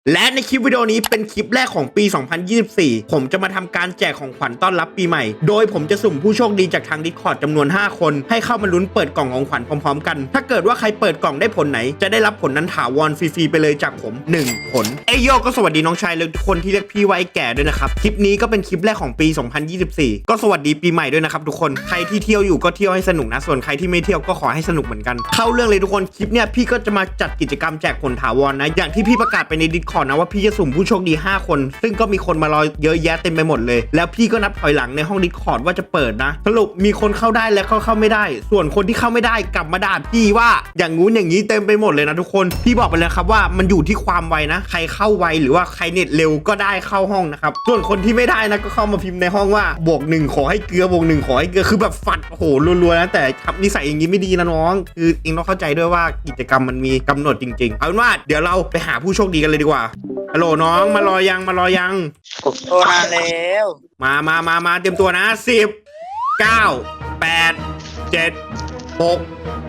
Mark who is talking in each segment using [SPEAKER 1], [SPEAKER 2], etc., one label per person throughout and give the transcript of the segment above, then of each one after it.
[SPEAKER 1] และในคลิปวิดีโอนี้เป็นคลิปแรกของปี 2024 ผมจะมาทำการแจกของขวัญต้อนรับปีใหม่โดยผมจะสุ่มผู้โชคดีจากทาง Discord จำนวน 5 คนให้เข้ามาลุ้นเปิดกล่องของขวัญพร้อมๆกันถ้าเกิดว่าใครเปิดกล่องได้ผลไหนจะได้รับผลนั้นถาวรฟรีๆไปเลยจากผม1ผลโยก็สวัสดีน้องชายและทุกคนที่เรียกพี่ว่าไอ้แก่ด้วยนะครับคลิปนี้ก็เป็นคลิปแรกของปี 2024 ก็สวัสดีปีใหม่ด้วยนะครับทุกคนใครที่เที่ยวอยู่ก็เที่ยวให้สนุกนะส่วนใครที่ไม่เที่ยวก็ขอให้สนุกเหมือนกันเข้าเรื่องเลยทุกคนคลิปเนี้ยพี่ก็จะมาจัดกิจกรรมแจกผลถาวรนะอย่างที่พี่ประกาศไปใน Discord นะว่าพี่จะสุ่มผู้โชคดี5คนซึ่งก็มีคนมารอเยอะแยะเต็มไปหมดเลยแล้วพี่ก็นับถอยหลังในห้อง Discord ว่าจะเปิดนะสรุปมีคนเข้าได้และเข้าไม่ได้ส่วนคนที่เข้าไม่ได้กลับมาด่าพี่ว่าอย่างงู้นอย่างนี้เต็มไปหมดเลยนะทุกคนพี่บอกไปเลยครับว่ามันอยู่ที่ความไวนะใครเข้าไวหรือว่าใครเน็ตเร็วก็ได้เข้าห้องนะครับส่วนคนที่ไม่ได้นะก็เข้ามาพิมพ์ในห้องว่า+1ขอให้เกลือ+1ขอให้เกลือคือแบบฟัดโอ้โหรัวๆนะแต่ทำนิสัยอย่างนี้ไม่ดีนะน้องคือเองต้องเข้าใจด้วยว่ากิจกรรมมันมีกำหนดจริงๆเอาเป็นว่าเดี๋ยวเราไปหาผู้โชคดีกันเลยดีกว่าฮัลโหลน้องมารอยัง
[SPEAKER 2] ผมโทรมาแล้ว
[SPEAKER 1] มาเตรียมตัวนะ10 9 8 7 6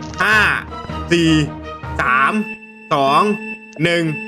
[SPEAKER 1] 5 4 3 2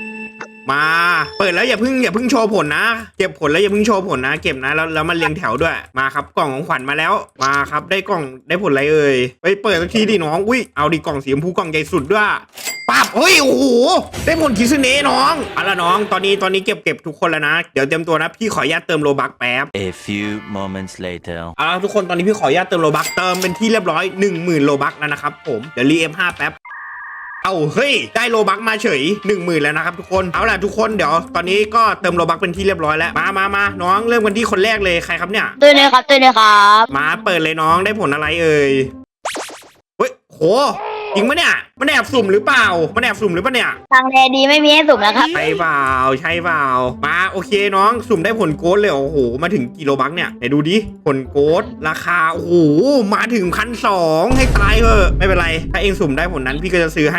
[SPEAKER 1] 1มาเปิดแล้วอย่าเพิ่งโชว์ผลนะเก็บผลแล้วอย่าเพิ่งโชว์ผลนะเก็บนะแล้วมันเรียงแถวด้วยมาครับกล่องของขวัญมาแล้วมาครับได้กล่องได้ผลอะไรเอ่ยไปเปิดสักทีดิน้องอุ้ยเอาดิกล่องสีชมพูกล่องใหญ่สุดด้วยปั๊บเฮ้ยโอ้โหได้ผลคิซึเนะน้องเอาละน้องตอนนี้เก็บทุกคนแล้วนะเดี๋ยวเตรียมตัวนะพี่ขออนุญาตเติมโลบัคแป๊บ
[SPEAKER 3] A few moments later
[SPEAKER 1] เอาละทุกคนตอนนี้พี่ขออนุญาตเติมโลบัคเติมเป็นที่เรียบร้อย 10,000 โลบัคแล้วนะครับผมเดี๋ยวรี F5 แป๊บเอาเฮ้ยได้โลบัคมาเฉย 10,000 แล้วนะครับทุกคนเอาล่ะทุกคนเดี๋ยวตอนนี้ก็เติมโลบัคเป็นที่เรียบร้อยแล้วมาน้องเริ่มกันที่คนแรกเลยใครครับเนี่ย
[SPEAKER 2] ตัวนี้ครับ
[SPEAKER 1] มาเปิดเลยน้องได้ผลอะไรเอ่ยเฮ้ยโหจริงปะเนี่ยมันแอบสุ่มหรือเปล่าเนี่ย
[SPEAKER 2] ทางแดดีไม่มีให้สุ่มนะครับ
[SPEAKER 1] ใช่เปล่ามาโอเคน้องสุ่มได้ผลโกดเลยโอ้โหมาถึงกิโลบัคเนี่ยไหนดูดิผลโกดราคาโอ้โหมาถึง1,200ให้ตายเถอะไม่เป็นไรถ้าเองสุ่มได้ผลนั้นพี่ก็จะซื้อให้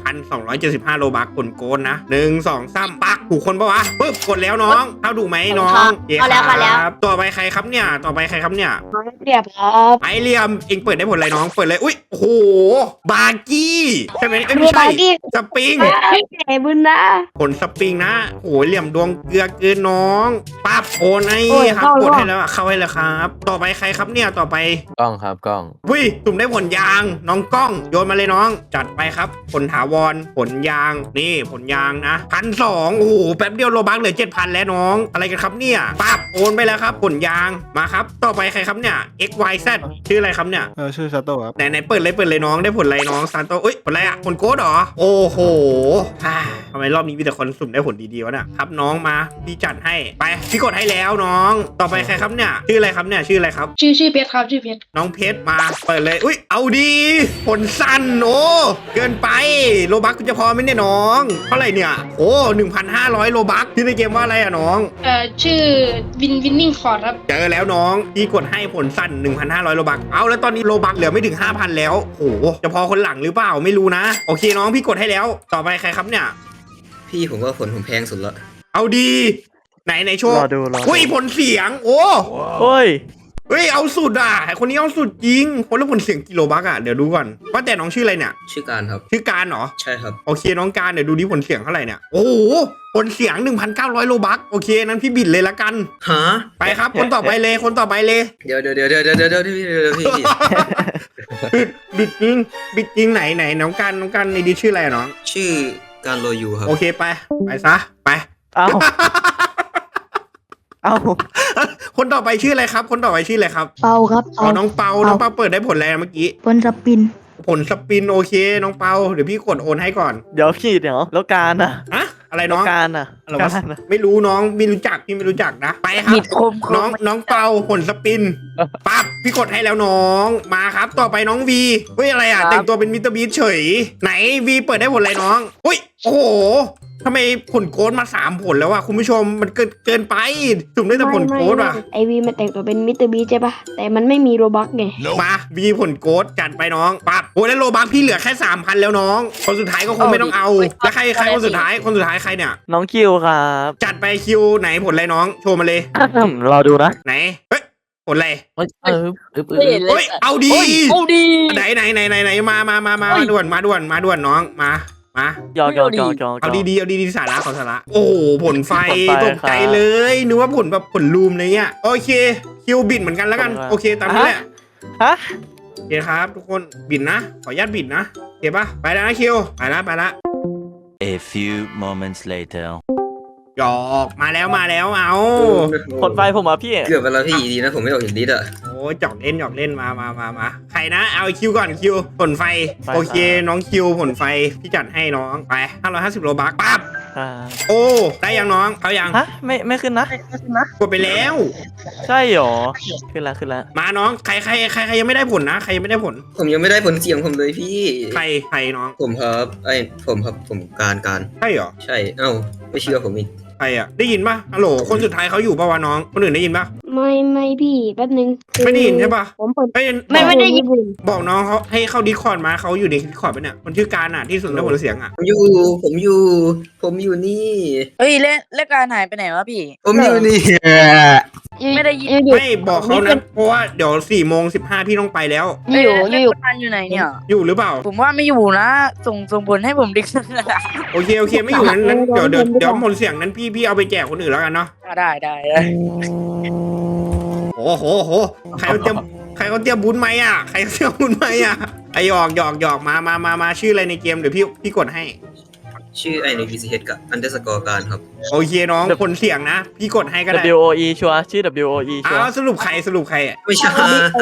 [SPEAKER 1] 1,275 โลบัคผลโกดนะ1 2 3ปักถูกคนปะวะปึ๊บกดแล้วน้องเข้าถูกไหมน้อง
[SPEAKER 2] เอาแล้ว
[SPEAKER 1] ต่อไปใครครับเนี่ย
[SPEAKER 2] เรียบครับ
[SPEAKER 1] ไอเรียมเองเปิดได้ผลอะไรน้องเปิดเลยอุ้ยโอ้โหบาร์กี้ใช่ไหมไม่ใช่สปริง
[SPEAKER 2] ไอ้บุญนะ
[SPEAKER 1] ผลสปริงนะโอ้เหลี่ยมดวงเกลือเกินน้องปั๊บโอนไอ้ครับกดให้แล้วเข้าให้แล้วครับต่อไปใครครับเนี่ยต่อไป
[SPEAKER 3] กล้องครับกล้อง
[SPEAKER 1] วิสุ่มได้ผลยางน้องกล้องโยนมาเลยน้องจัดไปครับผลถาวรผลยางนี่ผลยางนะ1,200โอ้โหแป๊บเดียวโลบัคเหลือ 7,000 แล้วน้องอะไรกันครับเนี่ยปั๊บโอนไปแล้วครับผลยางมาครับต่อไปใครครับเนี่ย XYZ ชื่ออะไรครับเนี่ย
[SPEAKER 4] ชื่อซาโต้ครับ
[SPEAKER 1] ไหนเปิดเลยน้องได้ผลอะไรน้องซานโตเอ้ยผลอะไรอะผลโกดเหรอโอ้โหทำไมรอบนี้มีแต่คนสุ่มได้ผลดีๆวะเนี่ยครับน้องมาพี่จัดให้ไปพี่กดให้แล้วน้องต่อไปใครครับเนี่ยชื่ออะไรครับ
[SPEAKER 5] ชื่อเพชรครับชื่อเพชร
[SPEAKER 1] น้องเพชรมาเปิดเลยอุ้ยเอาดีผลสั้นโอ้เกินไปโลบัคจะพอไหมเนี่ยน้องเท่าไหร่เนี่ยโอ้ 1,500 โลบัคที่ในเกมว่าอะไรอะน้อง
[SPEAKER 5] ชื่อวินนิ่งคอร์ดครับ
[SPEAKER 1] เจอแล้วน้องพี่กดให้ผลสั้น 1,500 โลบัคเอาแล้วตอนนี้โลบัคเหลือไม่ถึง 5,000 แล้วโอ้จะพอคนหลังหรือเปล่าไม่รู้นะโอเคน้องพี่กดให้แล้วต่อไปใครครับเนี่ย
[SPEAKER 6] พี่ผมว่าผลผมแพงสุดละ
[SPEAKER 1] เอาดีไหนโชว์อุ้ยผลเสียงโอ้
[SPEAKER 4] เ
[SPEAKER 1] ฮ้ยเอาสุดอ่ะคนนี้เอาสุดจริงคนละผลเสียงกิโลบัคอ่ะเดี๋ยวดูก่อนว่าแต่น้องชื่ออะไรเนี่ย
[SPEAKER 6] ชื่อการครับ
[SPEAKER 1] ชื่อการเหรอ
[SPEAKER 6] ใช่ครับ
[SPEAKER 1] โอเคน้องการเดี๋ยวดูดิผลเสียงเท่าไหร่เนี่ยโอ้โหผลเสียง 1,900 โลบัคโอเคนั้นพี่บิดเลยละกัน
[SPEAKER 6] ฮะ
[SPEAKER 1] ไปครับคนต่อไปเลย
[SPEAKER 6] เดี๋ยวพี่
[SPEAKER 1] บิดจริงไหนน้องการในดิชื่ออะไรน้อง
[SPEAKER 6] ชื่อการโรยูครับ
[SPEAKER 1] โอเคไปซะไป
[SPEAKER 4] เอา
[SPEAKER 1] คนต่อไปชื่ออะไรครับ
[SPEAKER 2] เปาครับ
[SPEAKER 1] น้องเปาเปิดได้ผลอะไรเมื่อกี้
[SPEAKER 2] ผลสปิน
[SPEAKER 1] โอเคน้องเปาเดี๋ยวพี่กดโอนให้ก่อน
[SPEAKER 4] เดี๋ยวแล้วการอะ
[SPEAKER 1] อะไรน้อง
[SPEAKER 4] การอะ
[SPEAKER 1] ไม่รู้น้องไม่รู้จักพี่ไม่รู้จักนะไปครับน้องเปาผลสปินปั๊บพี่กดให้แล้วน้องมาครับต่อไปน้องวีเฮ้ยอะไรแต่งตัวเป็นมิสเตอร์บีสเฉยไหนวีเปิดได้ผลอะไรน้องอุ้ยโอ้โหทำไมผลโค้ดมา3ผลแล้วอะคุณผู้ชมมันเกินไปสุ่มได้แต่ผลโค้ดว่ะ
[SPEAKER 2] ไอวีมันแต่งตัวเป็นมิสเตอร์บีใช่ปะแต่มันไม่มีโรบัคไง
[SPEAKER 1] มาวีผลโค้ดจัดไปน้องปั๊บโอ้แล้วโรบัคพี่เหลือแค่ 3,000 แล้วน้องคนสุดท้ายก็คงไม่ต้องเอาแล้วใครคนสุดท้ายใครเนี่ย
[SPEAKER 4] น้องคิวครับ
[SPEAKER 1] จัดไปคิวไหนผลอะไรน้องโชว์มาเลย
[SPEAKER 4] รอดูนะ
[SPEAKER 1] ไหนเฮ้ยผลอะไร
[SPEAKER 5] เ
[SPEAKER 1] ฮ้ยเอาดีไหนมาด่วนน้องมามา
[SPEAKER 4] ยอกยอกยอกยอก
[SPEAKER 1] เอาดีๆเอาดีๆสาระของสาระโอ้โหผลไฟ
[SPEAKER 4] ผลไฟ
[SPEAKER 1] ตกใจเลยนึกว่าผลแบบผลลูมอะไรเงี้ยโอเคคิวบิดเหมือนกันแล้วกัน
[SPEAKER 4] ผลไฟ
[SPEAKER 1] โอเคตามนี้แหละ
[SPEAKER 4] ฮะ
[SPEAKER 1] โอเคครับทุกคนบิดนะขออนุญาตบิดนะโอเคปะไปแล้วนะคิวไปละ
[SPEAKER 3] A few moments later.
[SPEAKER 1] หยอกมาแล้วเอา
[SPEAKER 4] ผลไฟผมอ่ะพี่
[SPEAKER 6] เกือบไปแล้วพี่ดีนะผมไม่ออกจากดิสอ่ะ
[SPEAKER 1] โอ้หยอกเล่นมาใครนะเอาไอ้คิวก่อนคิวผลไฟ
[SPEAKER 4] ไฟ
[SPEAKER 1] โอเคน้องคิวผลไฟพี่จัดให้น้องไป550โลบักปั๊บ
[SPEAKER 4] อ่า
[SPEAKER 1] โอ้ได้ยังน้องเขายัง
[SPEAKER 4] ฮะไม่ขึ้นนะ
[SPEAKER 1] กดไปแล้ว
[SPEAKER 4] ใช่หรอขึ้นละ
[SPEAKER 1] มาน้องใครยังไม่ได้ผลนะใครยังไม่ได้ผล
[SPEAKER 6] ผมยังไม่ได้ผลเสียงผมเลยพี่
[SPEAKER 1] ใครน้อง
[SPEAKER 6] ผมครับผมการ
[SPEAKER 1] ใช่เหรอ
[SPEAKER 6] ใช่เอ้าไม่เชื่อผมอีก
[SPEAKER 1] ใครอ่ะได้ยินปะฮัลโหลคนสุดท้ายเขาอยู่ปะวะน้องคนอื่นได้ยินปะ
[SPEAKER 2] ไม่พี่แป๊บนึงคือ
[SPEAKER 1] ไม่ได้ยินใช่ปะ
[SPEAKER 2] ผมเปิด
[SPEAKER 1] เอ้ย
[SPEAKER 2] ไม่ได้ยิน
[SPEAKER 1] บอกน้องเขาให้เข้าดิสคอร์ดมาเขาอยู่ในดิสคอร์ดปะเนี่ยคนชื่อการอ่ะที่สุดได้ผลเสียงอ่ะ
[SPEAKER 6] ผมอยู่นี่
[SPEAKER 7] เฮ้ยเล่นการหายไปไหนวะพี่
[SPEAKER 6] ผมอยู่นี่
[SPEAKER 7] ไม่ได้ยิน
[SPEAKER 2] อยู่
[SPEAKER 1] ไม่บอกเขานะเพราะว่าเดี๋ยว4:15พี่ต้องไปแล้ว
[SPEAKER 2] อยู่
[SPEAKER 7] เล่น
[SPEAKER 2] อยู่
[SPEAKER 7] การอยู่ไหนเนี่ย
[SPEAKER 1] อยู่หรือเปล่า
[SPEAKER 7] ผมว่าไม่อยู่นะ ส่งผลให้ผมดิก
[SPEAKER 1] โอเคไม่อยู่นั้นเดี๋ยวผลเสียงนั้นพี่เอาไปแจกคนอื่นแล้วกันเนาะ
[SPEAKER 7] ได้
[SPEAKER 1] โอ้โหใครเขาเตรียมบุญไหมอ่ะใครเขาเตรียมบุญไหมอ่ะไอหยอกมาชื่ออะไรในเกมเดี๋ยวพี่กดให้
[SPEAKER 6] ชื่อไอใน VCH กับ underscore การครับ
[SPEAKER 1] โอเคน้องผลเสียงนะ พี่กดให้ก็ได้
[SPEAKER 4] WOE ชัวร์ชื่อ WOE ชัว
[SPEAKER 1] อ้าว
[SPEAKER 4] ร์
[SPEAKER 1] สรุปใครอ่ะ
[SPEAKER 6] ไม่ใช่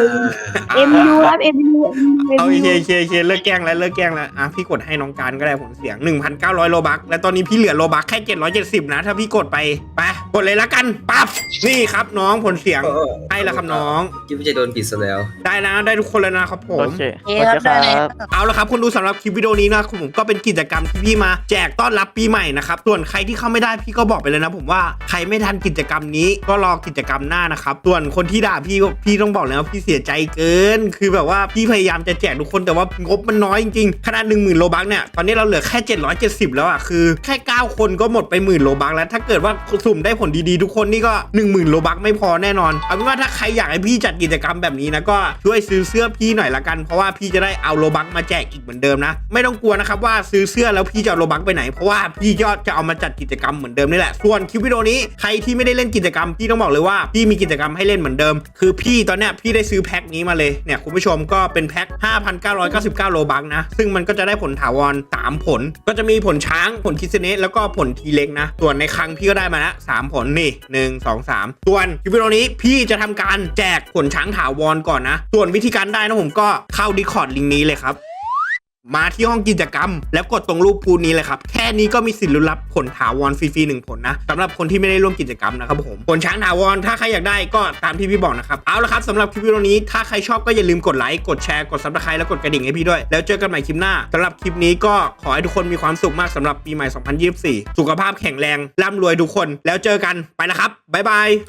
[SPEAKER 2] MU ครับ MU
[SPEAKER 1] เอาโอเคเลิกแกล้งแล้วอ่ะพี่กดให้น้องการก็ได้ผลเสียง 1,900 โลบักและตอนนี้พี่เหลือโลบักแค่770นะถ้าพี่กดไปกดเลยละกันปั๊บนี่ครับน้องผลเสียงให้แล้วครับน้อง
[SPEAKER 6] คิดว่าจะโดนผิดซะแล้ว
[SPEAKER 1] ได้นะได้ทุกคนแล้วนะครับผม
[SPEAKER 4] โอเค
[SPEAKER 7] เอ๊ะครับได้เลย
[SPEAKER 1] เอาละครับคนดูสำหรับคลิปวิดีโอนี้นะผมก็เป็นกิจกรรมที่พี่มาแจกต้อนรับปีใหม่นะครับส่วนใครที่เข้าไม่ได้พี่ก็บอกไปเลยนะผมว่าใครไม่ทันกิจกรรมนี้ก็รอกิจกรรมหน้านะครับส่วนคนที่ด่าพี่ต้องบอกเลยว่าพี่เสียใจเกินคือแบบว่าพี่พยายามจะแจกทุกคนแต่ว่างบมันน้อยจริงๆขนาด 10,000 โลบักเนี่ยตอนนี้เราเหลือแค่770แล้วอ่ะคือแค่9คนก็หมดไป10,000 โลบักแล้วถ้าเกิดว่าสุ่มได้ผลดีๆทุกคนนี่ก็ 10,000 โลบักไม่พอแน่นอนเอาเป็นว่าถ้าใครอยากให้พี่จัดกิจกรรมแบบนี้นะก็ช่วยซื้อเสื้อพี่หน่อยละกันเพราะว่าพี่จะได้เอาโลบักมาแจกอีกเหมือนเดิมนะไม่ต้องกลัวนะครับว่าซื้อเสื้อแล้วพี่จะเอาโลบักไปไหนเพราะว่าพี่ยอดจะเอามาจัดกิจกรรมเหมือนเดิมนี่แหละส่วนคลิปวิดีโอนี้ใครที่ไม่ได้เล่นกิจกรรมพี่ต้องบอกเลยว่าพี่มีกิจกรรมให้เล่นเหมือนเดิมคือพี่ตอนเนี้ยพี่ได้ซื้อแพ็คนี้มาเลยเนี่ยคุณผู้ชมก็เป็นแพ็ค 5,999 โลบักนะซึ่งมันก็จะได้ผลถาวร3ผลก็จะมีผลช้างผลคิสเนสแล้วก็ผลทีเล็กนะส่วนในครั้งพี่ก็ได้มาแล้ว3ผลนี่1 2 3ส่วนคลิปวิดีโอนี้พี่จะทำการแจกผลช้างถาวรก่อนนะส่วนวิธีการได้นะผมก็เข้า Discord ลิงก์นี้เลยครับมาที่ห้องกิจกรรมแล้วกดตรงรูปพูนี้เลยครับแค่นี้ก็มีสิทธิ์ลุ้นรับผลถาวรฟรีๆ1ผลนะสำหรับคนที่ไม่ได้ร่วมกิจกรรมนะครับผมผลช้างถาวรถ้าใครอยากได้ก็ตามที่พี่บอกนะครับเอาละครับสำหรับคลิปวิดีโอนี้ถ้าใครชอบก็อย่าลืมกดไลค์กดแชร์กด Subscribe แล้วกดกระดิ่งให้พี่ด้วยแล้วเจอกันใหม่คลิปหน้าสำหรับคลิปนี้ก็ขอให้ทุกคนมีความสุขมากสำหรับปีใหม่ 2024 สุขภาพแข็งแรงร่ำรวยทุกคนแล้วเจอกันไปแล้วครับบ๊ายบาย